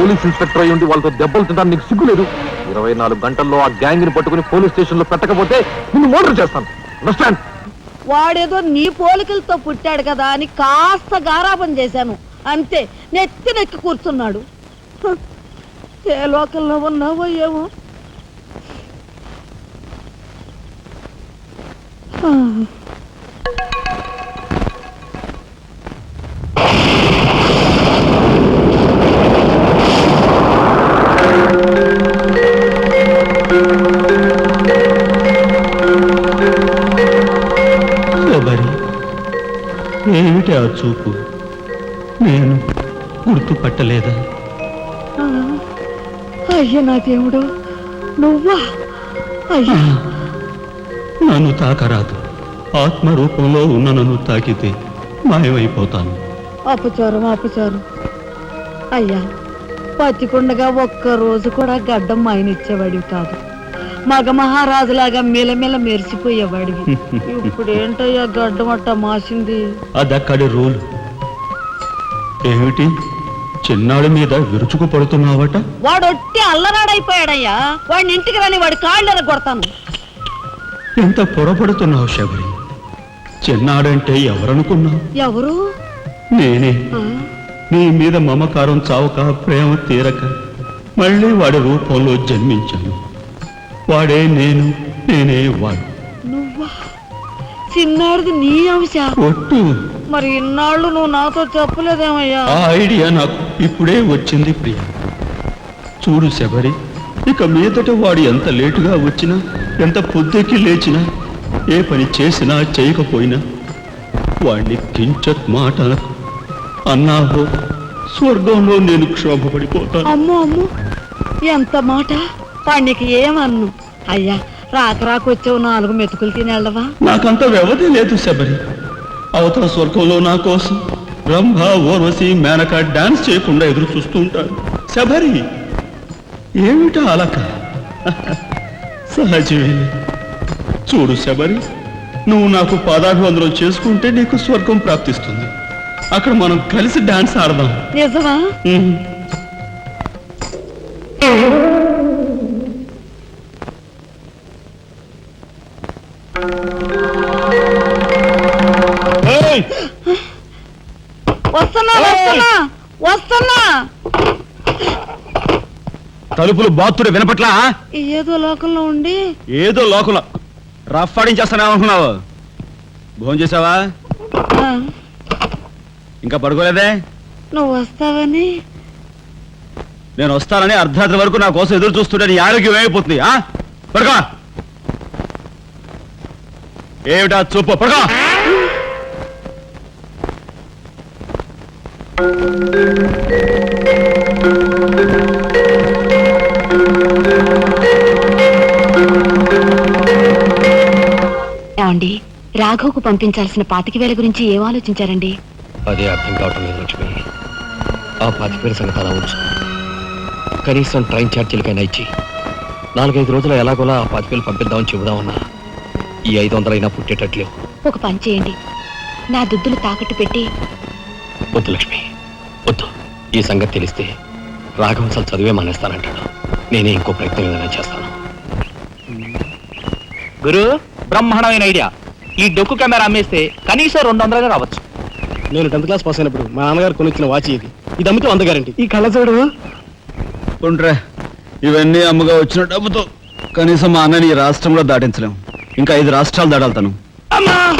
Police inspector అయి ఉండి వాళ్ళతో దెబ్బలు తింటాను నీకు సిగ్గులేదు. 24 గంటల్లో ఆ గ్యాంగ్ ని పట్టుకుని పోలీస్ స్టేషన్ లో పెట్టకపోతే నిన్ను మర్డర్ చేస్తాను. అండర్స్టాండ్? వాడేదో నీ పోలికలతో పుట్టాడు కదా అని కాస్త గారాబం చేశాను అంతే. నెత్తి కూర్చున్నాడు. ఏ లోకల్లో ఉన్నావో ఏమో. ఏమిటి ఆ చూపు? నేను గుర్తుపట్టలేదా? అయ్యా నా దేవుడు, నువ్వా? అయ్యా నన్ను తాకరాదు. ఆత్మరూపంలో ఉన్న నన్ను తాకితే మాయమైపోతాను. అపచారం అపచారం. అయ్యా పచ్చికుండగా ఒక్క రోజు కూడా గడ్డం మాయనిచ్చేవాడివి కాదు. మగ మహారాజులాగా మెలమెల మెరిసిపోయేవాడివి. ఇప్పుడు ఏంటయ్యా గడ్డం అట్ట మాసింది? అదక్కడి రూల్. ఏమిటి చిన్నాడు మీద విరుచుకు పడుతున్నావట? వాడొట్టి అల్లరాడైపోయాడయ్యా. వాడిని ఇంటికి రాని వాడి కాళ్ళని కొడతాను. ఎంత పొరపడుతున్నావు శబరి? చిన్నాడంటే ఎవరనుకున్నావు? ఎవరు? నేనే. నీ మీద మమకారం చావక, ప్రేమ తీరక మళ్ళీ వాడి రూపంలో జన్మించాను. వాడే నేను, నేనే వాడు. నువ్వా? చిన్నాడిది నీ అంశ? ఒట్టు. మరి ఇన్నాళ్ళు నువ్వు నాతో చెప్పలేదేమయ్యా? ఆ ఐడియా నాకు ఇప్పుడే వచ్చింది ప్రియ. చూడు శబరి, ఇక మీదట వాడు ఎంత లేటుగా వచ్చినా, ఎంత పొద్దుకి లేచినా, ఏ పని చేసినా చేయకపోయినా వాడిని కించత్ మాట అన్నావో స్వర్గంలో నేను క్షోభపడిపోతాను. అమ్మో అమ్మో, ఎంత మాట! వాడికి ఏమన్ను? అయ్యా రాకొచ్చావు 4 మెతుకులు తినేళ్ళవా? నాకంత వ్యవధి లేదు శబరి. అవతల స్వర్గంలో నా కోసం బ్రహ్మ, ఊర్వశి, మేనక డాన్స్ చేయకుండా ఎదురు చూస్తూ ఉంటారు. శబరి ఏమిటా అలక? సహజమే. చూడు శబరి, నువ్వు నాకు పాదాభివందనం చేసుకుంటే నీకు స్వర్గం ప్రాప్తిస్తుంది. అక్కడ మనం కలిసి డాన్స్ ఆడదాం. నిజమా? వస్తున్నా. తలుపులు బాత్తుడు వినపట్లా? ఏదో లోకంలో ఉండి ఏదో లోకంలో రఫాడించేస్తానేమనుకున్నావు? భోజనం చేసావా? ఇంకా పడుకోలేదే? నువ్వు వస్తావని. నేను వస్తానని అర్ధరాత్రి వరకు నా కోసం ఎదురు చూస్తుంటే నీ ఆరోగ్యం ఏమైపోతుంది? పడుకో. ఏమిటా చూపు? పడుకో. ఏమండి, రాఘవ్కు పంపించాల్సిన 25,000 గురించి ఏం ఆలోచించారండి? అదే అర్థం కావటం లేదు లక్ష్మి. ఆ 25,000 సంగతి అలా ఉంచు. కనీసం ట్రైన్ ఛార్జీలకైనా ఇచ్చి 4-5 రోజులు ఎలాగోలా ఆ 25,000 పంపిద్దామని చెబుదామన్నా ఈ 500 అయినా పుట్టేటట్లేవు. ఒక పని చేయండి, నా దుద్దులు తాకట్టు పెట్టి. వద్దు లక్ష్మి, వద్దు. ఈ సంగతి తెలిస్తే రాఘవం అసలు చదివే మానేస్తానంటాడు. నేనే ఇంకో ప్రయత్నం ఏదైనా చేస్తాను. గురు, బ్రహ్మాండమైన ఐడియా. ఈ డొక్కు కెమెరా అమ్మేస్తే కనీసం 200 రావచ్చు. నేను 10th క్లాస్ పాస్ అయినప్పుడు మా నాన్నగారు కొనిచ్చిన వాచ్ ఇది అమ్మితే 100 గ్యారెంటీ. ఈ కళ్ళజోడు ఉండ్రే, ఇవన్నీ అమ్మగా వచ్చిన డబ్బుతో కనీసం మా అన్నని ఈ రాష్ట్రంలో దాటించలేము. ఇంకా 5 రాష్ట్రాలు దాడాలి తను.